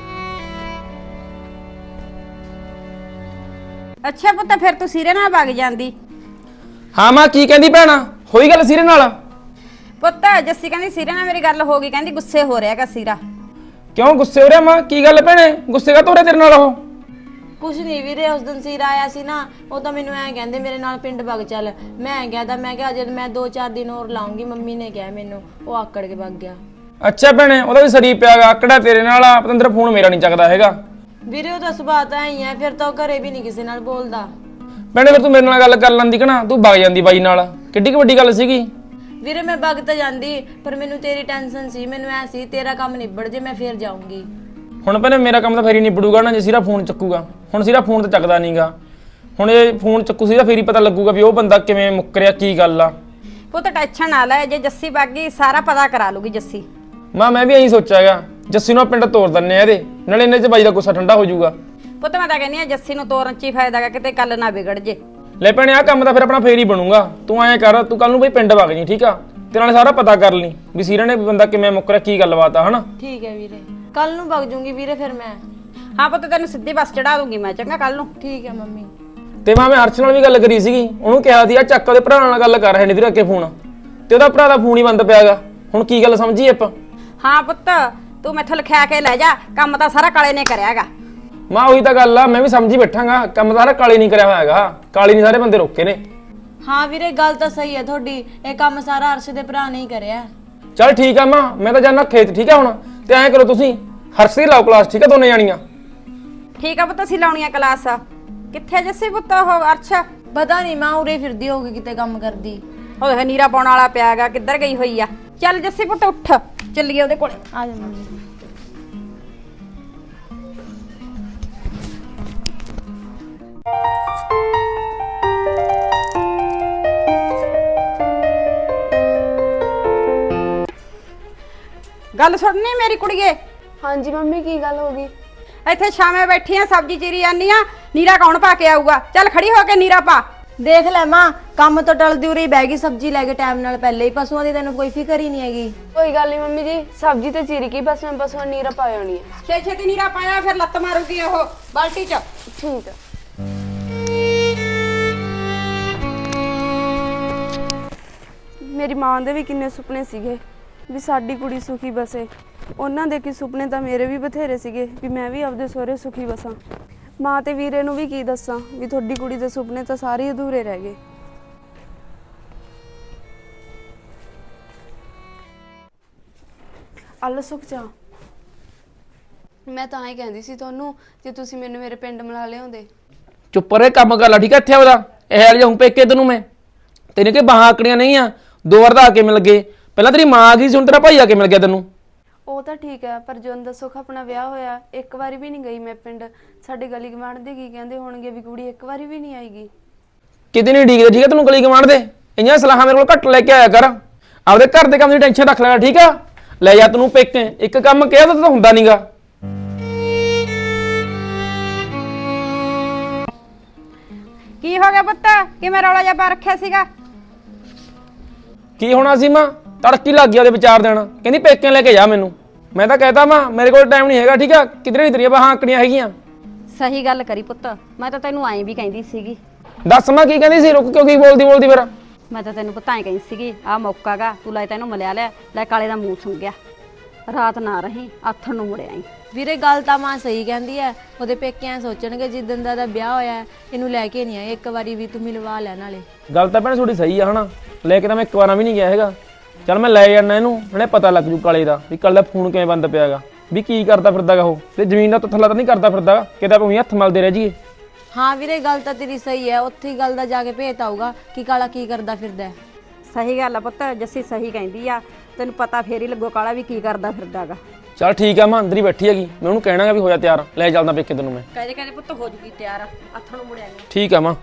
ਅੱਛਾ ਪੁੱਤ ਫਿਰ ਤੂੰ ਸਿਰੇ ਨਾਲ ਵਗ ਜਾਂਦੀ।
ਹਾਂ ਮਾਂ ਕੀ ਕਹਿੰਦੀ ਭੈਣਾ, ਹੋਈ ਗੱਲ ਸਿਰੇ ਨਾਲ?
ਪੁੱਤ ਜੱਸੀ ਕਹਿੰਦੀ ਸਿਰੇ ਨਾਲ ਮੇਰੀ ਗੱਲ ਹੋ ਗਈ, ਕਹਿੰਦੀ ਗੁੱਸੇ ਹੋ ਰਿਹਾਗਾ ਸਿਰਾ।
ਕਿਉਂ ਗੁੱਸੇ ਹੋ ਰਿਹਾ ਮਾਂ? ਕੀ ਗੱਲ ਭੈਣੇ, ਗੁੱਸੇ ਕਾ ਤੋਰੇ ਤੇਰੇ ਨਾਲ ਉਹ?
ਕੁਛ ਨਹੀਂ ਵੀਰੇ, ਉਸ ਦਿਨ ਸਿਰ ਆਇਆ ਸੀ ਨਾ, ਉਹ ਤਾਂ ਮੈਨੂੰ ਐਂ ਕਹਿੰਦੇ ਮੇਰੇ ਨਾਲ ਪਿੰਡ ਵਗ ਚੱਲ। ਮੈਂ ਗਿਆ ਤਾਂ ਮੈਂ ਕਿਹਾ ਜਦ ਮੈਂ 2-4 ਦਿਨ ਹੋਰ ਲਾਉਂਗੀ, ਮੰਮੀ ਨੇ ਕਿਹਾ ਮੈਨੂੰ, ਉਹ ਆਕੜ ਕੇ ਵਗ ਗਿਆ।
ਅੱਛਾ ਭੈਣੇ, ਉਹਦਾ ਵੀ ਸਰੀ ਪਿਆਗਾ ਆਕੜਾ ਤੇਰੇ ਨਾਲ ਆ। ਪਤੰਦਰ ਫੋਨ ਮੇਰਾ ਨਹੀਂ ਚੱਕਦਾ ਹੈਗਾ।
ਵੀਰੇ ਉਹਦਾ ਸੁਭਾਅ ਤਾਂ ਐਂ ਹੀ ਹੈ, ਫਿਰ ਤਾਂ ਉਹ ਘਰੇ ਵੀ ਨਹੀਂ ਕਿਸੇ ਨਾਲ ਬੋਲਦਾ।
ਭੈਣੇ ਫਿਰ ਤੂੰ ਮੇਰੇ ਨਾਲ ਗੱਲ ਕਰ ਲੈਂਦੀ ਕਿ ਨਾ, ਤੂੰ ਵਗ ਜਾਂਦੀ ਬਾਈ ਨਾਲ, ਕਿੱਡੀ ਕੁ ਵੱਡੀ ਗੱਲ ਸੀਗੀ।
ਵੀਰੇ ਮੈਂ ਵਗ ਤਾਂ ਜਾਂਦੀ, ਪਰ ਮੈਨੂੰ ਤੇਰੀ ਟੈਨਸ਼ਨ ਸੀ, ਮੈਨੂੰ ਐ ਸੀ ਤੇਰਾ ਕੰਮ ਨਿਬੜ ਜੇ ਮੈਂ ਫੇਰ ਜਾਊਂਗੀ।
ਹੁਣ ਭੈਣੇ ਮੇਰਾ ਕੰਮ ਤਾਂ ਫੇਰ ਹੀ ਨਿਬੜੂਗਾ ਨਾ ਜੇ ਸਿਰਾ ਫੋਨ ਚੱਕੂਗਾ। ਹੁਣ ਸਿਰਾ ਫੋਨ ਤਾਂ ਚੱਕਦਾ ਨਹੀਂਗਾ, ਹੁਣ ਇਹ ਫੋਨ ਚੱਕੂ ਸੀ ਤਾਂ ਫੇਰ ਹੀ ਪਤਾ ਲੱਗੂਗਾ ਵੀ ਉਹ ਬੰਦਾ ਕਿਵੇਂ ਮੁੱਕਰਿਆ, ਕੀ ਗੱਲ ਆ।
ਪੁੱਤ ਟੈਨਸ਼ਨ ਨਾ ਲੈ, ਜੇ ਜੱਸੀ ਵਗ ਗਈ ਸਾਰਾ ਪਤਾ ਕਰਾ ਲੂਗੀ ਜੱਸੀ।
ਮਾਂ ਮੈਂ ਵੀ ਇਹੀ ਸੋਚਿਆਗਾ, ਜੱਸੀ ਨੂੰ ਪਿੰਡ ਤੋਰ ਦਿੰਨੇ ਆ ਇਹਦੇ ਨਾਲੇ, ਇਹਨੇ ਚ ਬਾਈ ਦਾ ਗੁੱਸਾ ਠੰਡਾ ਹੋ ਜਾਊਗਾ।
ਪੁੱਤ ਮੈਂ ਤਾਂ ਕਹਿੰਦੀ ਆ ਜੱਸੀ ਨੂੰ ਤੋਰਨ ਚ ਹੀ ਫਾਇਦਾ ਗਾ, ਕਿਤੇ ਕੱਲ ਨਾ ਵਿਗੜ ਜੇ।
ਲੈ ਭੈਣੇ ਆਹ ਕੰਮ ਤਾਂ ਫਿਰ ਆਪਣਾ ਫੇਰ ਹੀ ਬਣੂਗਾ। ਤੂੰ ਐਂ ਕਰ, ਤੂੰ ਕੱਲ ਨੂੰ ਬਈ ਪਿੰਡ ਵਗ ਜੀ ਠੀਕ ਆ, ਤੇ ਨਾਲੇ ਸਾਰਾ ਪਤਾ ਕਰ ਲਈ ਵੀ ਸੀਰਾ ਨੇ ਬੰਦਾ ਕਿਵੇਂ ਮੁੱਕਰਿਆ, ਕੀ ਗੱਲਬਾਤ ਆ ਹਨਾ।
ਠੀਕ ਹੈ ਵੀਰੇ, ਕੱਲ ਨੂੰ ਵਗ ਜੂੰਗੀ ਵੀਰੇ ਫਿਰ ਮੈਂ।
ਹਾਂ ਪੁੱਤ ਤੈਨੂੰ ਸਿੱਧੀ ਬੱਸ ਚੜਾ ਦੂੰਗੀ ਮੈਂ, ਚੰਗਾ ਕੱਲ ਨੂੰ।
ਠੀਕ ਹੈ ਮੰਮੀ।
ਤੇ ਮੈਂ ਹਰਸ਼ ਨਾਲ ਵੀ ਗੱਲ ਕਰੀ ਸੀਗੀ, ਉਹਨੂੰ ਕਿਹਾ ਸੀ ਆ ਚੱਕ ਉਹਦੇ ਭਰਾ ਨਾਲ ਗੱਲ ਕਰ ਰਹੇ ਨੇ ਵੀਰੇ ਅੱਗੇ ਫੋਨ, ਤੇ ਉਹਦਾ ਭਰਾ ਦਾ ਫੋਨ ਹੀ ਬੰਦ ਪਿਆਗਾ। ਹੁਣ ਕੀ ਗੱਲ ਸਮਝੀ ਆਪਾਂ?
ਹਾਂ ਪੁੱਤ ਤੂੰ ਮੈਥੋਂ ਲਿਖਿਆ ਕੇ ਲੈ ਜਾ, ਕੰਮ ਤਾਂ ਸਾਰਾ ਕਾਲੇ ਨੇ ਕਰਿਆਗਾ।
ਮਾਂ ਉਹੀ ਤਾਂ ਗੱਲ ਆ, ਮੈਂ ਵੀ ਸਮਝੀ ਬੈਠਾਂਗਾ, ਕੰਮ ਸਾਰਾ ਕਾਲੀ ਨਹੀਂ ਕਰਿਆ ਹੋਇਆ ਹੈਗਾ, ਕਾਲੀ ਨਹੀਂ ਸਾਰੇ ਬੰਦੇ ਰੋਕੇ ਨੇ।
ਹਾਂ ਵੀਰੇ ਗੱਲ ਤਾਂ ਸਹੀ ਹੈ ਤੁਹਾਡੀ, ਇਹ ਕੰਮ ਸਾਰਾ ਅਰਸ਼ ਦੇ ਭਰਾ ਨੇ ਹੀ ਕਰਿਆ।
ਚੱਲ ਠੀਕ ਆ ਮਾਂ, ਮੈਂ ਤਾਂ ਜਾਣਾ ਖੇਤ ਠੀਕ ਆ ਹੁਣ। ਤੇ ਐਂ ਕਰੋ ਤੁਸੀਂ ਹਰਸ਼ ਦੀ ਲਾਓ ਕਲਾਸ ਠੀਕ ਆ, ਦੋਨੇ ਜਾਣੀਆਂ।
ਠੀਕ ਆ ਪੁੱਤ ਅਸੀਂ ਲਾਉਣੀ ਆ ਕਲਾਸ। ਕਿੱਥੇ ਜੱਸੀ ਪੁੱਤ ਉਹ ਅਰਸ਼?
ਪਤਾ ਨਹੀਂ ਮਾਂ ਉਰੇ ਫਿਰਦੀ ਹੋਊਗੀ ਕਿਤੇ ਕੰਮ ਕਰਦੀ।
ਉਹ ਨੀਰਾ ਪਾਉਣ ਵਾਲਾ ਪਿਆਗਾ, ਕਿੱਧਰ ਗਈ ਹੋਈ ਆ? ਚੱਲ ਜੱਸੀ ਪੁੱਤ ਉੱਠ, ਚੱਲੀਏ ਉਹਦੇ ਕੋਲੇ।
ਆ ਜਾ ਮੰਮੀ।
ਗੱਲ ਸੁਣਨੀ ਮੇਰੀ ਕੁੜੀਏ?
ਹਾਂਜੀ ਮੰਮੀ ਕੀ ਗੱਲ ਹੋ ਗਈ?
ਇੱਥੇ ਛਾਵੇਂ ਬੈਠੀ ਆ, ਸਬਜ਼ੀ ਚੀਰੀ ਜਾਂਦੀ ਆ, ਨੀਰਾ ਕੌਣ ਪਾ ਕੇ ਆਊਗਾ? ਚੱਲ ਖੜੀ ਹੋ ਕੇ ਨੀਰਾ ਪਾ।
ਦੇਖ ਲੈ ਮਾਂ, ਕੰਮ ਤੋਂ ਟਲਦੀ ਉਰੀ ਬਹਿ ਗਈ ਸਬਜ਼ੀ ਲੈ ਕੇ ਟਾਈਮ ਨਾਲ, ਪਹਿਲੇ ਹੀ ਪਸ਼ੂਆਂ ਦੀ ਤੈਨੂੰ ਕੋਈ ਫਿਕਰ ਹੀ ਨਹੀਂ ਹੈਗੀ।
ਕੋਈ ਗੱਲ ਨਹੀਂ ਮੰਮੀ ਜੀ, ਸਬਜ਼ੀ ਤੇ ਚੀਰੀ ਕੀ, ਬਸ ਮੈਂ ਪਸ਼ੂਆਂ ਨੀਰਾ ਪਾ ਆਉਣੀ ਹੈ।
ਛੇਤੀ ਨੀਰਾ ਪਾਇਆ, ਫਿਰ ਲੱਤ ਮਾਰੂਗੀ ਉਹ ਬਾਲਟੀ 'ਚ।
ਠੀਕ ਹੈ। ਮੇਰੀ ਮਾਂ ਦੇ ਵੀ ਕਿੰਨੇ ਸੁਪਨੇ ਸੀਗੇ ਵੀ ਸਾਡੀ ਕੁੜੀ ਸੁਖੀ ਬਸੇ, ਉਹਨਾਂ ਦੇ ਕੀ ਸੁਪਨੇ ਤਾਂ ਮੇਰੇ ਵੀ ਬਥੇਰੇ ਸੀਗੇ ਵੀ ਮੈਂ ਵੀ ਆਪਦੇ ਸਹੁਰੇ ਸੁਖੀ ਬਸਾਂ। ਮਾਂ ਤੇ ਵੀਰੇ ਨੂੰ ਵੀ ਕੀ ਦੱਸਾਂ ਵੀ ਤੁਹਾਡੀ ਕੁੜੀ ਦੇ ਸੁਪਨੇ ਤਾਂ ਸਾਰੇ ਅਧੂਰੇ ਰਹਿ ਗਏ। ਅੱਲ ਸੁਖ ਜਾ, ਮੈਂ ਤਾਂ ਹੀ ਕਹਿੰਦੀ ਸੀ ਤੁਹਾਨੂੰ, ਜੇ ਤੁਸੀਂ ਮੈਨੂੰ ਮੇਰੇ ਪਿੰਡ ਮਿਲਾ ਲਿਆਉਂਦੇ।
ਚੁੱਪ ਰਹੇ, ਕੰਮ ਕਰ ਲਾ ਠੀਕ ਆ ਇੱਥੇ ਉਹਦਾ। ਇਹ ਹਾਲ ਜਾਉਂ ਪੇਕੇ ਤੈਨੂੰ ਮੈਂ, ਤੈਨੂੰ ਕਿ ਬਾਹਾਂ ਆਕੜੀਆਂ ਨਹੀਂ ਆ, 2 ਵਾਰ ਤਾਂ ਆ ਕੇ ਮਿਲ ਗਏ। ਪਹਿਲਾਂ ਤੇਰੀ ਮਾਂ ਆ ਗਈ ਸੀ, ਹੁਣ ਤੇਰਾ ਭਾਈ ਆ ਕੇ ਮਿਲ ਗਿਆ ਤੈਨੂੰ।
ਉਹ ਤਾਂ ਠੀਕ ਹੈ, ਪਰ ਜਦੋਂ ਦਾ ਸੁਖ ਆਪਣਾ ਵਿਆਹ ਹੋਇਆ ਇੱਕ ਵਾਰੀ ਵੀ ਨਹੀਂ ਗਈ ਮੈਂ ਪਿੰਡ। ਸਾਡੇ ਗਲੀ ਗਵਾਂਢ ਦੇ ਕੀ ਕਹਿੰਦੇ ਹੋਣਗੇ ਵੀ ਕੁੜੀ ਇੱਕ ਵਾਰੀ ਵੀ ਨਹੀਂ ਆਏਗੀ।
ਕਿਤੇ ਨਹੀਂ ਡੀਕਦੇ ਠੀਕ ਆ ਤੈਨੂੰ ਗਲੀ ਗਵਾਂਢ ਦੇ। ਇੰਨੀਆਂ ਸਲਾਹਾਂ ਮੇਰੇ ਕੋਲ ਘੱਟ ਲੈ ਕੇ ਆਇਆ ਕਰ, ਆਪਦੇ ਘਰ ਦੇ ਕੰਮ ਦੀ ਟੈਨਸ਼ਨ ਰੱਖ ਲੈਣਾ ਠੀਕ ਆ। ਲੈ ਜਾ ਤੈਨੂੰ ਪੇਕੇ, ਇੱਕ ਕੰਮ ਕਿਹਾ ਤਾਂ ਹੁੰਦਾ ਨਹੀਂਗਾ।
ਕੀ ਹੋ ਗਿਆ ਪੁੱਤ, ਕਿਵੇਂ ਰੌਲਾ ਜਿਹਾ ਪਾ ਰੱਖਿਆ ਸੀਗਾ?
ਕੀ ਹੋਣਾ ਸੀ ਮਾਂ, ਤੜਕੀ ਲੱਗ ਗਿਆ ਉਹਦੇ ਵਿਚਾਰ ਦੇਣ, ਕਹਿੰਦੀ ਪੇਕੇ ਲੈ ਕੇ ਜਾ ਮੈਨੂੰ। ਮੈਂ ਤਾਂ ਕਹਿਤਾ ਮਾਂ ਮੇਰੇ ਕੋਲ ਟਾਈਮ ਨਹੀਂ ਹੈਗਾ ਠੀਕ ਆ, ਕਿਧਰੇ ਨਹੀਂ ਤੇਰੀਆਂ ਬਾਹਾਂ ਆਕੜੀਆਂ ਹੈਗੀਆਂ।
ਸਹੀ ਗੱਲ ਕਰੀ ਪੁੱਤ, ਮੈਂ ਤਾਂ ਤੈਨੂੰ ਐਂ ਵੀ ਕਹਿੰਦੀ ਸੀਗੀ।
ਦੱਸ ਮਾਂ ਕੀ ਕਹਿੰਦੀ ਸੀ, ਰੁਕ ਕਿਉਂ ਕੀ ਬੋਲਦੀ ਫਿਰ?
ਮੈਂ ਤਾਂ ਤੈਨੂੰ ਪਤਾ ਐਂ ਕਹਿੰਦੀ ਸੀਗੀ, ਆਹ ਮੌਕਾਗਾ, ਤੂੰ ਲੈ ਤੈਨੂੰ ਮਿਲਿਆ ਲੈ ਕਾਲੇ ਦਾ ਮੂੰਹ ਸੁੰਘਿਆ। ਰਾਤ ਨਾ ਰਹੀ, ਆਥਣ ਨੂੰ ਮੁੜਿਆ ਆਈ।
ਵੀਰੇ ਗੱਲ ਤਾਂ ਮਾਂ ਸਹੀ ਕਹਿੰਦੀ ਐ, ਉਹਦੇ ਪੇਕਿਆਂ ਸੋਚਣਗੇ ਜਿੱਦਣ ਦਾ ਵਿਆਹ ਹੋਇਆ ਹੈ, ਇਹਨੂੰ ਲੈ ਕੇ ਨਹੀਂ ਆਏ, ਇੱਕ ਵਾਰੀ ਵੀ ਤੂੰ ਮਿਲਵਾ ਲੈ ਨਾਲੇ।
ਗੱਲ ਤਾਂ ਭੈਣ ਥੋੜੀ ਸਹੀ ਆ ਹਨਾ, ਲੈ ਕੇ ਤਾਂ ਮੈਂ ਇੱਕ ਵਾਰਾਂ ਵੀ ਨਹੀਂ ਗਿਆ ਹੈਗਾ। ਚੱਲ ਮੈਂ ਲੈ ਜਾਣਾ ਇਹਨੂੰ, ਨਾਲੇ ਪਤਾ ਲੱਗ ਜੂ ਕਾਲੇ ਦਾ ਵੀ ਕੱਲ ਦਾ ਫੋਨ ਕਿਵੇਂ ਬੰਦ ਪਿਆਗਾ, ਵੀ ਕੀ ਕਰਦਾ ਫਿਰਦਾਗਾ ਉਹ, ਤੇ ਜ਼ਮੀਨ ਦਾ ਥੱਲਾ ਤਾਂ ਨਹੀਂ ਕਰਦਾ ਫਿਰਦਾ ਕਿਤੇ ਆਪਾਂ ਉਹੀ ਹੱਥ ਮਲਦੇ ਰਹਿ ਜਾਈਏ।
ਹਾਂ ਵੀਰੇ ਗੱਲ ਤਾਂ ਤੇਰੀ ਸਹੀ ਹੈ, ਉੱਥੇ ਹੀ ਗੱਲ ਦਾ ਜਾ ਕੇ ਭੇਤ ਆਊਗਾ ਕਿ ਕਾਲਾ ਕੀ ਕਰਦਾ ਫਿਰਦਾ ਹੈ।
ਸਹੀ ਗੱਲ ਆ ਪੁੱਤ, ਜੱਸੀ ਸਹੀ ਕਹਿੰਦੀ ਆ, ਤੈਨੂੰ ਪਤਾ ਫੇਰ ਹੀ ਲੱਗੋ ਕਾਲਾ ਵੀ ਕੀ ਕਰਦਾ ਫਿਰਦਾਗਾ।
ਚੱਲ ਠੀਕ ਆ, ਮੈਂ ਅੰਦਰ ਹੀ ਬੈਠੀ ਹੈਗੀ, ਮੈਂ ਉਹਨੂੰ ਕਹਿਣਾਗਾ ਵੀ ਹੋਇਆ ਤਿਆਰ, ਲੈ ਚੱਲਦਾ ਪੇਕੇ ਤੈਨੂੰ ਮੈਂ।
ਕਹਿੰਦੇ ਪੁੱਤ ਹੋ ਜੂਗੀ ਤਿਆਰ, ਹੱਥਾਂ ਨੂੰ ਮੁੜਿਆ
ਠੀਕ ਆ ਮਾਂ।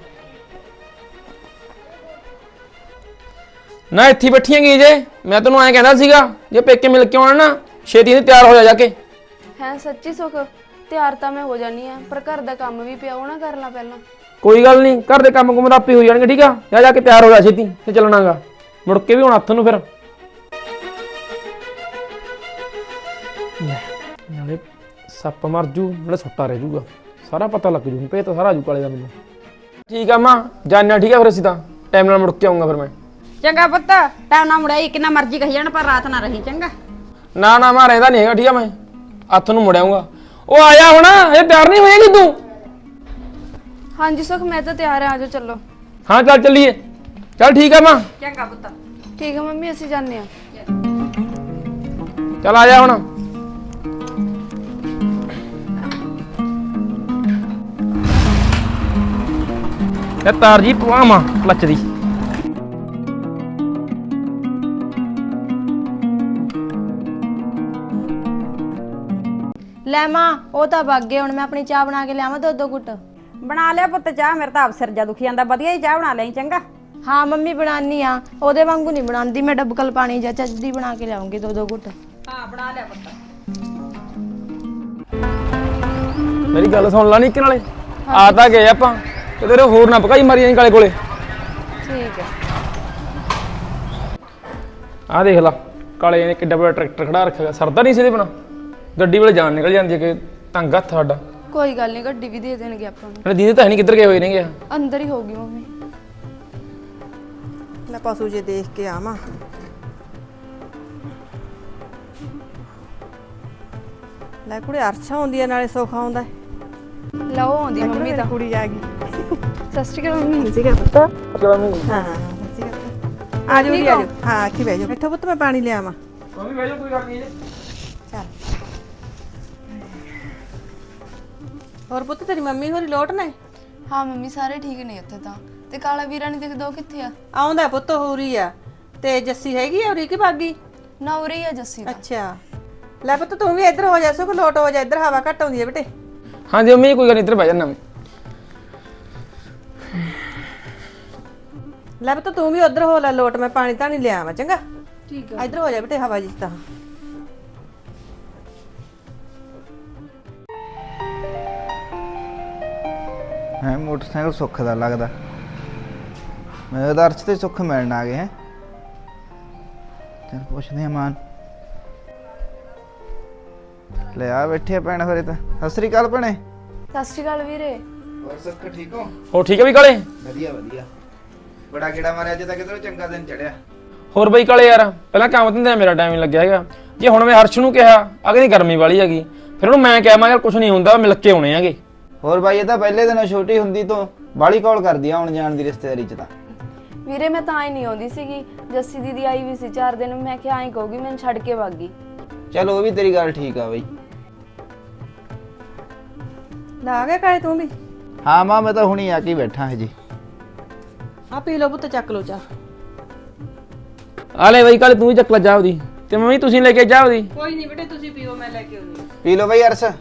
ਨਾ ਇੱਥੇ ਬੈਠੀਆਂ ਗਈ ਜੇ, ਮੈਂ ਤੈਨੂੰ ਐਂ ਕਹਿੰਦਾ ਸੀਗਾ ਜੇ ਪੇਕੇ ਮਿਲ ਕੇ ਆਉਣਾ ਨਾ ਛੇਤੀ ਨਹੀਂ ਤਿਆਰ ਹੋ ਜਾ ਕੇ।
ਹੈ ਸੱਚੀ ਸੁੱਖ, ਤਿਆਰ ਤਾਂ ਮੈਂ ਹੋ ਜਾਨੀ ਆ, ਪਰ ਘਰ ਦਾ ਕੰਮ ਵੀ ਪਿਆ ਉਹ ਨਾ ਕਰ ਲਾਂ ਪਹਿਲਾਂ।
ਕੋਈ ਗੱਲ ਨਹੀਂ, ਘਰ ਦੇ ਕੰਮ ਕੁਮ ਤਾਂ ਆਪੇ ਹੋ ਜਾਣਗੇ, ਠੀਕ ਆ। ਜਾ ਕੇ ਤਿਆਰ ਹੋ ਜਾ ਛੇਤੀ ਤੇ ਚੱਲਣਾਗਾ, ਮੁੜ ਕੇ ਵੀ ਹੁਣ ਹੱਥ ਨੂੰ ਫਿਰ ਨਾਲੇ ਸੱਪ ਮਰ ਜੂ, ਨਾਲੇ ਸੁੱਤਾ ਰਹਿ ਜੂਗਾ, ਸਾਰਾ ਪਤਾ ਲੱਗ ਜੂ, ਭੇਤ ਸਾਰਾ ਆ ਜੂ ਕਾਲੇ ਦਾ ਮੈਨੂੰ। ਠੀਕ ਆ ਮਾਂ, ਜਾਣਾ ਠੀਕ ਆ, ਫਿਰ ਅਸੀਂ ਤਾਂ ਟਾਈਮ ਨਾਲ ਮੁੜ ਕੇ ਆਉਂਗਾ ਫਿਰ ਮੈਂ।
ਚੰਗਾ ਪੁੱਤ, ਟਾਈਮ ਨਾ ਮੁੜਿਆ ਕਿੰਨਾ ਮਰਜ਼ੀ ਕਹੀ ਜਾਣ, ਪਰ ਰਾਤ ਨਾ ਰਹੀ ਚੰਗਾ।
ਨਾ ਨਾ ਮੈਂ ਰਹਿੰਦਾ ਨਹੀਂ ਹੈਗਾ, ਠੀਕ ਆ, ਮੈਂ ਹੱਥ ਨੂੰ ਮੁੜ ਆਊਂਗਾ। ਉਹ ਆਇਆ ਹੁਣ, ਇਹ ਤਿਆਰ ਨਹੀਂ ਹੋਏਗੀ ਤੂੰ?
ਹਾਂਜੀ ਸੁੱਖ, ਮੈਂ ਤਾਂ ਤਿਆਰ ਆ, ਆਜੋ ਚੱਲੋ।
ਹਾਂ ਚੱਲ ਚੱਲੀਏ, ਚੱਲ ਠੀਕ ਆ ਮਾਂ।
ਚੰਗਾ ਪੁੱਤ।
ਠੀਕ ਆ ਮੰਮੀ, ਅਸੀਂ ਜਾਂਦੇ ਆ।
ਚੱਲ ਆ ਜਾ ਹੁਣ। ਇਹ ਤਾਰ ਜੀ ਪਵਾਵਾਂ ਕਲੱਚ ਦੀ।
ਲੈ ਮਾਂ, ਉਹ ਤਾਂ ਵਗ ਗਏ, ਹੁਣ ਮੈਂ ਆਪਣੀ ਚਾਹ ਬਣਾ ਕੇ ਲਿਆਵਾਂ ਦੋ ਘੁੱਟ।
ਬਣਾ ਲਿਆ ਪੁੱਤ ਚਾਹ, ਮੇਰੇ ਤਾਂ ਆਪ ਸਿਰ ਜਾ ਦੁਖੀ ਜਾਂਦਾ, ਵਧੀਆ ਹੀ ਚਾਹ ਬਣਾ ਲਈ ਚੰਗਾ।
ਹਾਂ ਮੰਮੀ ਬਣਾਨੀ ਆ, ਉਹਦੇ ਵਾਂਗੂ ਨਹੀਂ ਬਣਾਉਂਦੀ ਮੈਂ, ਡੱਬਕਲ ਪਾਣੀ ਜਾਂ ਚੱਜਦੀ ਬਣਾ ਕੇ ਲਿਆਉਂਗੀ ਦੋ ਘੁੱਟ।
ਹਾਂ ਬਣਾ ਲਿਆ ਪੁੱਤ।
ਮੇਰੀ ਗੱਲ ਸੁਣ ਲਾ, ਨਿੱਕੇ ਨਾਲੇ ਆ ਤਾਂ ਗਏ ਆਪਾਂ, ਤੇ ਤੇਰੇ ਹੋਰ ਨਾ ਪਕਾਈ ਮਾਰੀ ਜਾਈਂ ਕਾਲੇ ਕੋਲੇ।
ਠੀਕ ਹੈ।
ਆਹ ਦੇਖ ਲਾ, ਕਾਲੇ ਨੇ ਕਿੱਡਾ ਬੜਾ ਟਰੈਕਟਰ ਖੜਾ ਰੱਖਿਆ, ਸਰਦਾ ਨਹੀਂ ਸੀ ਇਹਦੇ ਬਿਨਾ, ਗੱਡੀ ਵੇਲੇ ਜਾਨ ਨਿਕਲ ਜਾਂਦੀ ਹੈ ਕਿ ਤੰਗ ਹੱਥ ਸਾਡਾ।
ਕੋਈ ਗੱਲ ਨਹੀਂ, ਗੱਡੀ ਵੀ ਦੇ ਦੇਣਗੇ ਆਪਾਂ ਨੂੰ।
ਨਾਲੇ ਦੀਦੀ ਤਾਂ ਹੈ ਨਹੀਂ, ਕਿੱਧਰ ਗਏ ਹੋਏ ਨੇਗੇ।
ਅੰਦਰ ਹੀ ਹੋਊਗੀ ਮੰਮੀ।
ਲੈ ਪਸ਼ੂ ਜੇ ਦੇਖ ਕੇ ਆਵਾਂ। ਲੈ ਕੁੜੇ ਅਰਸ਼ਾ ਹੁੰਦੀ ਆ, ਨਾਲੇ ਸੁੱਖ ਆਉਂਦਾ।
ਲਓ ਆਉਂਦੀ ਮੰਮੀ ਤਾਂ।
ਕੁੜੀ ਆ ਗਈ।
ਸਤਿ ਸ਼੍ਰੀ ਅਕਾਲ ਮੰਮੀ।
ਸੀਗਾ ਪੁੱਤ।
ਚਲੋ ਮੰਮੀ
ਹਾਂ ਆ ਜਾਓ ਜੀ, ਆ ਜਾਓ। ਹਾਂ ਕੀ ਬਹਿ ਜਾਓ, ਬੈਠੋ ਪੁੱਤ, ਮੈਂ ਪਾਣੀ ਲਿਆਵਾਂ।
ਬਹਿ ਜਾ, ਕੋਈ ਗੱਲ ਨਹੀਂ।
ਚੱਲ ਹੋਰ ਪੁੱਤ, ਤੇਰੀ ਮੰਮੀ ਹੋਰੀ ਲੋਟ ਨੇ?
ਹਾਂ ਮੰਮੀ, ਸਾਰੇ ਠੀਕ ਨੇ ਇੱਥੇ ਤਾਂ। ਤੇ ਕਾਲਾ ਵੀਰਾ ਨਹੀਂ ਦਿਖਦਾ, ਉਹ ਕਿੱਥੇ ਆ?
ਆਉਂਦਾ ਪੁੱਤ, ਹੋਰੀ ਆ। ਤੇ ਜੱਸੀ ਹੈਗੀ ਆ ਹੋਰੀ ਕਿ ਭਾਗੀ?
ਨਾ ਉਰੇ ਹੀ ਆ ਜੱਸੀ ਤਾਂ।
ਅੱਛਾ ਲੈ ਪੁੱਤ, ਤੂੰ ਵੀ ਇੱਧਰ ਹੋ ਜਾ, ਸੁਖ ਲੋਟ ਹੋ ਜਾ, ਇੱਧਰ ਹਵਾ ਘੱਟ ਆਉਂਦੀ ਹੈ ਬੇਟੇ।
ਹਾਂਜੀ ਮੰਮੀ, ਕੋਈ ਗੱਲ ਨਹੀਂ, ਇੱਧਰ ਬਹਿ ਜਾਣਾ ਮੈਂ।
ਲੈ ਪੁੱਤ, ਤੂੰ ਵੀ ਉੱਧਰ ਹੋ ਲੈ ਲੋਟ, ਮੈਂ ਪਾਣੀ ਤਾਂ ਨਹੀਂ ਲਿਆਵਾਂ ਚੰਗਾ।
ਠੀਕ
ਇੱਧਰ ਹੋ ਜਾ ਬੇਟੇ, ਹਵਾ ਜਿਸ ਤਾਂ।
ਹੈ ਮੋਟਰਸਾਈਕਲ ਸੁੱਖ ਦਾ ਲੱਗਦਾ, ਮੈਂ ਉਹਦਾ ਅਰਸ਼ ਤੇ ਸੁੱਖ ਮਿਲਣ ਆ ਗਏ ਹੈ। ਚਲ ਪੁੱਛਦੇ ਆ ਮਾਨ। ਲੈ ਆ ਬੈਠੇ ਆ ਭੈਣ ਹੋਰੇ ਤਾਂ। ਸਤਿ ਸ੍ਰੀ ਅਕਾਲ ਭੈਣੇ।
ਸਤਿ ਸ਼੍ਰੀ ਅਕਾਲ ਵੀਰੇ।
ਹੋਰ ਸੁੱਖ ਠੀਕ ਹੋ?
ਹੋਰ ਠੀਕ ਆ ਵੀ ਕਾਲੇ?
ਵਧੀਆ ਵਧੀਆ। ਬੜਾ ਕਿਹੜਾ ਮਾਰਿਆ ਅੱਜ ਤੱਕ, ਕਿਧਰੋਂ ਚੰਗਾ ਦਿਨ ਚੜਿਆ।
ਹੋਰ ਬਈ ਕਾਲੇ ਯਾਰ, ਪਹਿਲਾਂ ਕੰਮ ਧੰਦੇ ਮੇਰਾ ਟਾਈਮ ਨਹੀਂ ਲੱਗਿਆ ਹੈਗਾ। ਜੇ ਹੁਣ ਮੈਂ ਹਰਸ਼ ਨੂੰ ਕਿਹਾ, ਅਗਲੀ ਗਰਮੀ ਵਾਲੀ ਹੈਗੀ, ਫਿਰ ਉਹਨੂੰ ਮੈਂ ਕਿਹਾ ਮੈਂ ਯਾਰ ਕੁਝ ਨਹੀਂ ਹੁੰਦਾ, ਮਿਲ ਕੇ ਆਉਣੇ ਹੈਗੇ।
ਹੋਰ ਬਾਈ, ਇਹ ਤਾਂ ਪਹਿਲੇ ਦਿਨੋਂ ਛੋਟੀ ਹੁੰਦੀ ਤੋਂ ਬਾਲੀ ਕਾਲ ਕਰਦੀ ਆ ਆਉਣ ਜਾਣ ਦੀ ਰਿਸ਼ਤੇਦਾਰੀ ਚ ਤਾਂ।
ਵੀਰੇ ਮੈਂ ਤਾਂ ਹੀ ਨਹੀਂ ਆਉਂਦੀ ਸੀਗੀ, ਜੱਸੀ ਦੀਦੀ ਆਈ ਵੀ ਸੀ 4 ਦਿਨ, ਮੈਂ ਕਿਹਾ ਐਂ ਕਹੂਗੀ ਮੈਨੂੰ ਛੱਡ ਕੇ ਵਗ ਗਈ।
ਚਲ ਉਹ ਵੀ ਤੇਰੀ ਗੱਲ ਠੀਕ ਆ ਬਈ।
ਲਾ ਗਿਆ ਕਾਲੇ ਤੂੰ ਵੀ?
ਹਾਂ ਮਾਂ, ਮੈਂ ਤਾਂ ਹੁਣੀ ਆ ਕੇ ਬੈਠਾ ਹਜੇ।
ਆ ਪੀ ਲਓ ਪੁੱਤ, ਚੱਕ ਲਓ ਚਾਹ।
ਆ ਲੈ ਬਈ ਕਾਲੇ, ਤੂੰ ਵੀ ਚੱਕ ਲੈ ਚਾਹ ਉਹਦੀ, ਤੇ ਮੰਮੀ ਤੁਸੀਂ ਲੈ ਕੇ ਚਾਹ ਉਹਦੀ।
ਕੋਈ ਨਹੀਂ ਬੇਟੇ, ਤੁਸੀਂ ਪੀਓ, ਮੈਂ ਲੈ ਕੇ ਆਉਂਦੀ।
ਪੀ ਲਓ ਬਈ ਅਰਸ਼।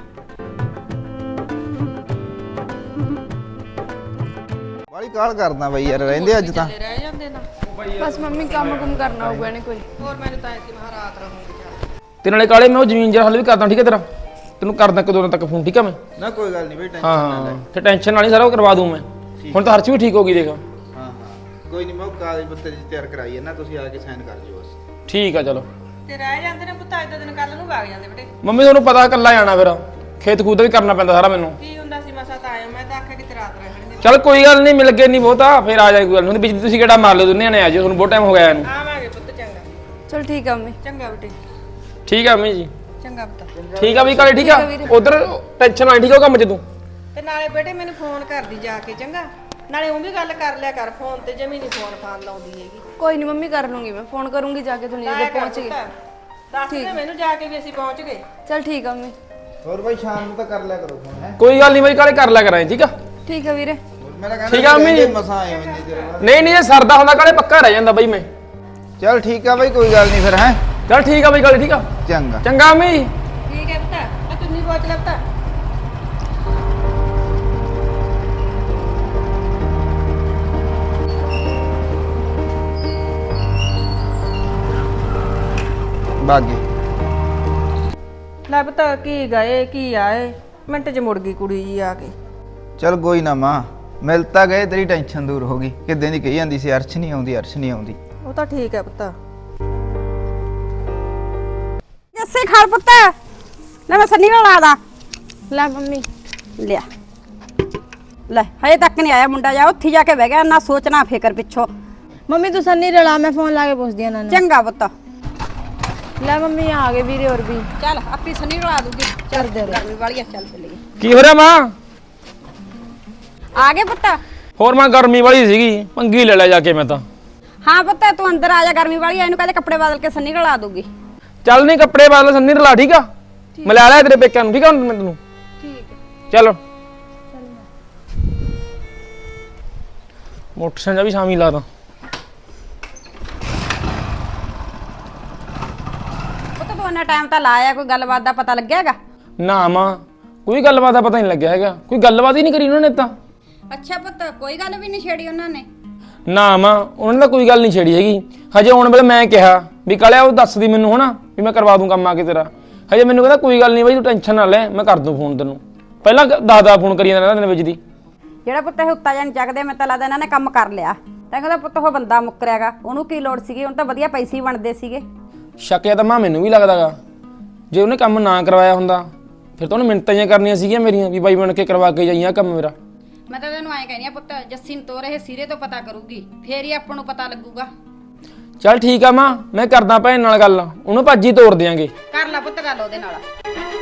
ਬਾਲੀ ਕਾਲ ਕਰਦਾ ਬਈ ਯਾਰ, ਰਹਿੰਦੇ ਅੱਜ ਤਾਂ।
ਰਹਿ ਜਾਂਦੇ ਨਾ।
ਬਸ ਮੰਮੀ ਕੰਮ ਕੁਮ ਕਰਨਾ ਹੋਊਗਾ ਇਹਨੇ ਕੋਈ।
ਹੋਰ ਮੈਨੂੰ ਤਾਂ ਐਸੀ ਮਹਾ ਰਾਤ ਰਹੂੰਗੀ ਚਾਹ।
ਤੇ ਨਾਲੇ ਕਾਲੇ ਮੈਂ ਉਹ ਜ਼ਮੀਨ ਜਰਾ ਹੱਲ ਵੀ ਕਰਦਾ, ਠੀਕ ਹੈ ਤੇਰਾ, ਤੈਨੂੰ ਕਰਦਾ ਇੱਕ ਦੋ ਦਿਨ ਤੱਕ ਫੋਨ, ਠੀਕ ਆ ਮੈਂ।
ਨਾ ਕੋਈ ਗੱਲ ਨਹੀਂ ਬਈ, ਟੈਨਸ਼ਨ
ਹਾਂ
ਨਾ ਲੈ।
ਹਾਂ, ਤੇ ਟੈਨਸ਼ਨ ਨਾਲ ਹੀ ਸਾਰਾ ਉਹ ਕਰਵਾ ਦੂੰ ਮੈਂ। ਹੁਣ ਤਾਂ ਹਰਸ਼ ਵੀ ਠੀਕ ਹੋ ਗਈ ਦੇਖ।
ਹਾਂ ਹਾਂ ਕੋਈ ਨਹੀਂ, ਮੈਂ ਉਹ ਕਾਗਜ਼ ਪੱਤਰ ਜੀ ਤਿਆਰ ਕਰਾਈ ਹੈ ਨਾ, ਤੁਸੀਂ ਆ ਕੇ ਸਾਈਨ ਕਰ ਜਿਓ ਬਸ।
ਠੀਕ ਆ ਚਲੋ।
ਤੇ ਰਹਿ ਜਾਂਦੇ ਨੇ ਪੁੱਤ, ਅੱਜ ਦਾ ਦਿਨ ਕੱਲ ਨੂੰ ਵਗ ਜਾਂਦੇ ਬੇਟੇ।
ਮੰਮੀ ਤੁਹਾਨੂੰ ਪਤਾ ਇਕੱਲਾ ਜਾਣਾ, ਫਿਰ ਖੇਤ ਖੂਦ ਦਾ ਵੀ ਕਰਨਾ ਪੈਂਦਾ ਸਾਰਾ ਮੈਨੂੰ।
ਕੀ ਹੁੰਦਾ ਸੀ, ਮਸਾ ਤਾਂ ਆਇਆ, ਮੈਂ ਤਾਂ ਆਖਿਆ ਕਿ ਰਾਤ ਰਹਿਣਗੇ।
ਚੱਲ ਕੋਈ ਗੱਲ ਨਹੀਂ, ਮਿਲ ਗਏ ਨਹੀਂ ਬਹੁਤਾ, ਫਿਰ ਆ ਜਾਏ, ਕੋਈ ਗੱਲ ਨਹੀਂ। ਬਿਜਲੀ ਤੁਸੀਂ ਕਿਹੜਾ ਮਾਰ ਲਿਓ, ਦੋਨੇ ਨੇ ਆ ਜਾਓ, ਤੁਹਾਨੂੰ ਬਹੁਤ ਟਾਈਮ ਹੋ ਗਿਆ ਇਹਨੂੰ।
ਆਵਾਂਗੇ ਪੁੱਤ, ਚੰਗਾ।
ਚਲ ਠੀਕ ਆ ਮੰਮੀ।
ਚੰਗਾ ਬੇਟੇ।
ਠੀਕ ਆ ਮੰਮੀ ਜੀ।
ਚੰਗਾ ਪੁੱਤ।
ਠੀਕ ਆ ਬਈ ਕਾਲੇ, ਠੀਕ ਆ ਉਧਰ ਟੈਨਸ਼ਨ ਨਾ ਠੀਕ ਆ ਉਹ ਕੰਮ 'ਚ ਤੂੰ।
ਤੇ ਨਾਲੇ ਬੇਟੇ ਮੈਨੂੰ ਫੋਨ ਕਰਦੀ ਜਾ ਕੇ, ਚੰਗਾ? ਨਾਲੇ ਉਹ ਵੀ ਗੱਲ ਕਰ ਲਿਆ ਕਰ ਫੋਨ ਤੇ, ਜਮੀ ਨਹੀਂ ਫੋਨ ਫਾਨ ਲਾਉਂਦੀ ਹੈਗੀ।
ਕੋਈ ਨਹੀਂ ਮੰਮੀ, ਕਰ ਲੂੰਗੀ ਮੈਂ ਫੋਨ ਕਰੂੰਗੀ ਜਾ ਕੇ ਦੁਨੀਆ ਦੇ ਪਹੁੰਚ ਗਏ।
ਦੱਸ ਦੇ ਮੈਨੂੰ ਜਾ ਕੇ ਵੀ ਅਸੀਂ ਪਹੁੰਚ ਗਏ।
ਚਲ ਠੀਕ ਆ ਮੰਮੀ।
ਹੋਰ ਬਾਈ ਸ਼ਾਮ ਨੂੰ ਤਾਂ ਕਰ ਲਿਆ ਕਰੋ ਫੋਨ ਹੈ।
ਕੋਈ ਗੱਲ ਨਹੀਂ ਬਈ ਕਾਲੇ, ਕਰ ਲਿਆ ਕਰਾਂ ਠੀਕ ਆ।
ਠੀਕ ਆ ਵੀਰੇ।
ਮੈਂ ਤਾਂ ਕਹਿੰਦਾ
ਠੀਕ ਆ ਮੰਮੀ।
ਮਸਾਂ ਆਏ ਹੋ ਇੰਨੀ ਦੇਰ ਬਾਅਦ।
ਨਹੀਂ ਇਹ ਸਰਦਾ ਹੁੰਦਾ ਕਾਲੇ, ਪੱਕਾ ਰਹਿ ਜਾਂਦਾ ਬਈ ਮੈਂ।
ਚੱਲ ਠੀਕ ਆ ਬਾਈ, ਕੋਈ ਗੱਲ ਨਹੀਂ ਫਿਰ ਹੈ।
ਚਲ ਠੀਕ ਆ ਬਈ ਕਾਲੇ, ਠੀਕ ਆ।
ਚੰਗਾ
ਚੰਗਾ ਮੰਮੀ।
ਠੀਕ ਹੈ ਪੁੱਤ, ਆ ਚੁੰਨੀ ਪਹੁੰਚ ਲੈ ਪੁੱਤ।
ਬਾਗੀ
ਲੈ ਪੁੱਤ, ਕੀ ਗਏ ਕੀ ਆਏ, ਮਿੰਟ 'ਚ ਮੁੜ ਗਈ ਕੁੜੀ ਜੀ ਆ ਕੇ।
ਚੱਲ ਕੋਈ ਨਾ ਮਾਂ, ਮਿਲ ਤਾਂ ਗਏ, ਤੇਰੀ ਟੈਨਸ਼ਨ ਦੂਰ ਹੋ ਗਈ। ਕਿੱਦਾਂ ਦੀ ਕਹੀ ਜਾਂਦੀ ਸੀ ਅਰਸ਼ ਨਹੀਂ ਆਉਂਦੀ, ਅਰਸ਼ ਨਹੀਂ ਆਉਂਦੀ।
ਉਹ ਤਾਂ ਠੀਕ ਹੈ ਪੁੱਤ।
ਜੱਸੇ ਖਾਲ ਪੁੱਤ, ਲੈ ਮੈਂ ਸੰਨੀ ਨਾਲ ਆਦਾ।
ਲੈ ਮੰਮੀ।
ਲਿਆ ਲੈ, ਹਜੇ ਤੱਕ ਨਹੀਂ ਆਇਆ ਮੁੰਡਾ, ਜਾ ਉੱਥੇ ਜਾ ਕੇ ਬਹਿ ਗਿਆ, ਨਾ ਸੋਚਣਾ ਫਿਕਰ ਪਿੱਛੋਂ।
ਮੰਮੀ ਤੂੰ ਸੰਨੀ ਰਲਾ, ਮੈਂ ਫੋਨ ਲਾ ਕੇ ਪੁੱਛਦੀ ਆ ਨਾ।
ਚੰਗਾ ਪੁੱਤ,
ਲੈ ਮੰਮੀ ਆ ਗਏ ਵੀਰੇ ਹੋਰ ਵੀ।
ਚੱਲ ਆਪੀ ਸੰਨੀ ਨਾਲ ਆ ਦੂਗੀ। ਚੱਲ ਗਰਮੀ ਵਾਲੀ ਆ, ਚੱਲ ਚੱਲੀਏ।
ਕੀ ਹੋ ਰਿਹਾ ਮਾਂ?
ਆ ਗਏ ਪੁੱਤ?
ਹੋਰ ਮਾਂ ਗਰਮੀ ਵਾਲੀ ਸੀਗੀ, ਪੰਗੀ ਲੈ ਲਿਆ ਜਾ ਕੇ ਮੈਂ ਤਾਂ।
ਹਾਂ ਪੁੱਤ, ਤੂੰ ਅੰਦਰ ਆ ਜਾ, ਗਰਮੀ ਵਾਲੀ ਆ, ਇਹਨੂੰ ਕਹਿੰਦੇ ਕੱਪੜੇ ਬਦਲ ਕੇ ਸੰਨੀ ਨਾਲ ਆ ਦੂਗੀ।
ਚੱਲ ਨਹੀਂ ਕੱਪੜੇ ਬਦਲ, ਸੰਨੀ ਰਲਾ ਠੀਕ ਆ। ਮੈਂ ਲੈ ਲਿਆ ਤੇਰੇ ਪੇਕਿਆਂ ਨੂੰ, ਠੀਕ ਆ ਮੈਂ ਤੈਨੂੰ।
ਠੀਕ ਹੈ।
ਚਲੋ ਮੋਟਰਸਾਈਕਲ ਵੀ ਸ਼ਾਮੀ ਲਾ ਦਾਂ।
ਪੁੱਤ ਤੂੰ ਇੰਨਾ ਟਾਈਮ ਤਾਂ ਲਾਇਆ, ਕੋਈ ਗੱਲਬਾਤ ਦਾ ਪਤਾ ਲੱਗਿਆਗਾ?
ਨਾ ਮਾਂ, ਕੋਈ ਗੱਲਬਾਤ ਦਾ ਪਤਾ ਨਹੀਂ ਲੱਗਿਆ ਹੈਗਾ, ਕੋਈ ਗੱਲਬਾਤ ਹੀ ਨਹੀਂ ਕਰੀ ਉਹਨਾਂ ਨੇ ਤਾਂ।
ਅੱਛਾ ਪੁੱਤ, ਕੋਈ ਗੱਲ ਵੀ ਨਹੀਂ ਛੇੜੀ ਉਹਨਾਂ ਨੇ?
ਨਾ ਮਾਂ, ਉਹਨਾਂ ਨੇ ਤਾਂ ਕੋਈ ਗੱਲ ਨਹੀਂ ਛੇੜੀ ਹੈਗੀ। ਹਜੇ ਆਉਣ ਵੇਲੇ ਮੈਂ ਕਿਹਾ ਵੀ ਕਾਲਿਆ ਉਹ ਦੱਸਦੀ ਮੈਨੂੰ ਹਨਾ ਵੀ ਮੈਂ ਕਰਵਾ ਦੂੰ ਕੰਮ ਆ ਕੇ ਤੇਰਾ। ਹਜੇ ਮੈਨੂੰ ਕਹਿੰਦਾ ਕੋਈ ਗੱਲ ਨਹੀਂ ਬਾਈ, ਤੂੰ ਟੈਨਸ਼ਨ ਨਾ ਲੈ, ਮੈਂ ਕਰ ਦੂੰ ਫੋਨ ਤੈਨੂੰ। ਪਹਿਲਾਂ 10 ਫੋਨ ਕਰੀ ਜਾਂਦਾ ਦਿਨ ਵਿੱਚ ਦੀ।
ਜਿਹੜਾ ਪੁੱਤ ਇਹ ਉੱਤਾ ਜਾਨ ਚੱਕਦੇ, ਮੈਂ ਤਾਂ ਲੱਗਦਾ ਇਹਨਾਂ ਨੇ ਕੰਮ ਕਰ ਲਿਆ। ਤਾਂ ਕਹਿੰਦਾ ਪੁੱਤ ਉਹ ਬੰਦਾ ਮੁੱਕਰਿਆਗਾ, ਉਹਨੂੰ ਕੀ ਲੋੜ ਸੀਗੀ, ਉਹਨੂੰ ਤਾਂ ਵਧੀਆ ਪੈਸੇ ਹੀ ਬਣਦੇ ਸੀਗੇ।
ਸ਼ੱਕਿਆ ਤਾਂ ਮਾਂ ਮੈਨੂੰ ਵੀ ਲੱਗਦਾਗਾ, ਜੇ ਉਹਨੇ ਕੰਮ ਨਾ ਕਰਵਾਇਆ ਹੁੰਦਾ ਫਿਰ ਤਾਂ ਉਹਨੇ ਮਿੰਟਾਂ ਜਿਹੀਆਂ ਕਰਨੀਆਂ ਸੀਗੀਆਂ ਮੇਰੀਆਂ ਵੀ ਬਾਈ ਬਣ ਕੇ ਕਰਵਾ ਕੇ ਜਾਈਆਂ ਕੰਮ ਮੇਰਾ।
ਮੈਂ ਤਾਂ ਤੈਨੂੰ ਐਂ ਕਹਿੰਦੀ ਆ ਪੁੱਤ, ਜੱਸੀ ਨੂੰ ਤੋਰ ਇਹ ਸਿਰੇ ਤੋਂ ਪਤਾ ਕਰੂਗੀ, ਫੇਰ ਹੀ ਆਪਾਂ ਨੂੰ ਪਤਾ ਲੱਗੂਗਾ।
ਚੱਲ ਠੀਕ ਆ ਮਾਂ, ਮੈਂ ਕਰਦਾ ਭੈਣ ਨਾਲ ਗੱਲ, ਉਹਨੂੰ ਭੱਜੀ ਤੋੜ ਦਿਆਂਗੇ।
ਕਰ ਲੈ ਪੁੱਤ ਗੱਲ ਉਹਦੇ ਨਾਲ।